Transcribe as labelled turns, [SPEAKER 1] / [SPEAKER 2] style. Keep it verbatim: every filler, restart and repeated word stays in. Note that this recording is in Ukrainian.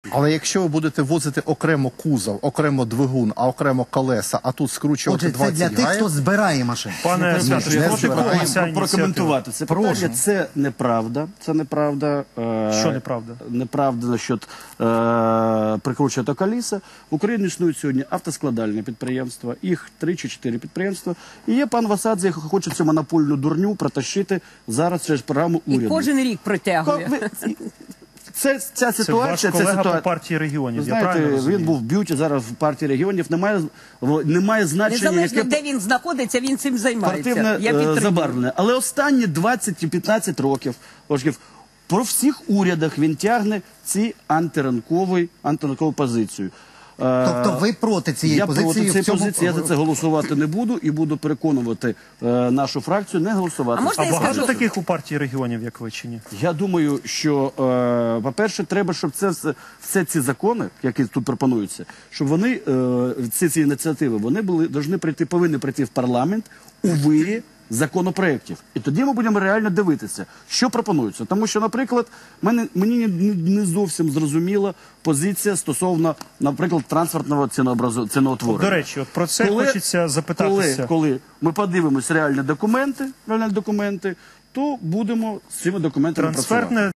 [SPEAKER 1] Але якщо ви будете возити окремо кузов, окремо двигун, а окремо колеса, а тут скручувати
[SPEAKER 2] Отже, це
[SPEAKER 1] двадцять
[SPEAKER 2] для тих,
[SPEAKER 1] гаїв...
[SPEAKER 2] хто збирає машини.
[SPEAKER 3] Пане Святові,
[SPEAKER 1] не
[SPEAKER 3] проти кого
[SPEAKER 1] збираємо.
[SPEAKER 3] ця ініціатива?
[SPEAKER 4] Прокоментувати це питання. Це неправда. Це неправда. Е,
[SPEAKER 3] Що неправда?
[SPEAKER 4] Неправда насчет е, прикручувати коліса. В Україні існують сьогодні автоскладальні підприємства, їх три чи чотири підприємства. І є пан Васадзе, який хоче цю монопольну дурню протащити зараз через програму уряду.
[SPEAKER 5] І кожен рік притягує.
[SPEAKER 4] Це, ця
[SPEAKER 3] Це
[SPEAKER 4] ситуація,
[SPEAKER 3] ваш
[SPEAKER 4] це
[SPEAKER 3] колега
[SPEAKER 4] ситуація.
[SPEAKER 3] по партії регіонів,
[SPEAKER 4] Ви
[SPEAKER 3] я правильно
[SPEAKER 4] знаєте,
[SPEAKER 3] розумію?
[SPEAKER 4] він був в б'юті, зараз в партії регіонів. Немає, немає значення,
[SPEAKER 5] Незалежно,
[SPEAKER 4] яке
[SPEAKER 5] де він знаходиться, він цим займається.
[SPEAKER 4] партивне
[SPEAKER 5] Я
[SPEAKER 4] е,
[SPEAKER 5] підтримую.
[SPEAKER 4] забарвлене. Але останні двадцять-п'ятнадцять років, років про всіх урядах він тягне ці антиранкові, антиранкову позицію. Е,
[SPEAKER 2] Тобто ви проти цієї
[SPEAKER 4] я
[SPEAKER 2] позиції?
[SPEAKER 4] проти
[SPEAKER 2] в
[SPEAKER 4] цієї
[SPEAKER 2] цьому...
[SPEAKER 4] позиції, я за це голосувати не буду і буду переконувати е, нашу фракцію не голосувати.
[SPEAKER 5] А можна
[SPEAKER 3] А
[SPEAKER 5] я
[SPEAKER 3] багато
[SPEAKER 5] скажу?
[SPEAKER 3] таких у партії регіонів, як ви, чи ні?
[SPEAKER 4] Я думаю, що, е, по-перше, треба, щоб це все, все ці закони, які тут пропонуються, щоб вони, е, ці, ці ініціативи, вони були, должны прийти, повинні прийти в парламент у вирі законопроєктів. І тоді ми будемо реально дивитися, що пропонується. Тому що, наприклад, мене, мені не, не зовсім зрозуміла позиція стосовно, наприклад, транспортного цінообразу, ціноутворення.
[SPEAKER 3] До речі, от про це
[SPEAKER 4] Коли-
[SPEAKER 3] хочеться запитатися.
[SPEAKER 4] Коли, коли ми подивимось реальні документи, реальні документи, то будемо з цими документами працювати.
[SPEAKER 3] Трансфертне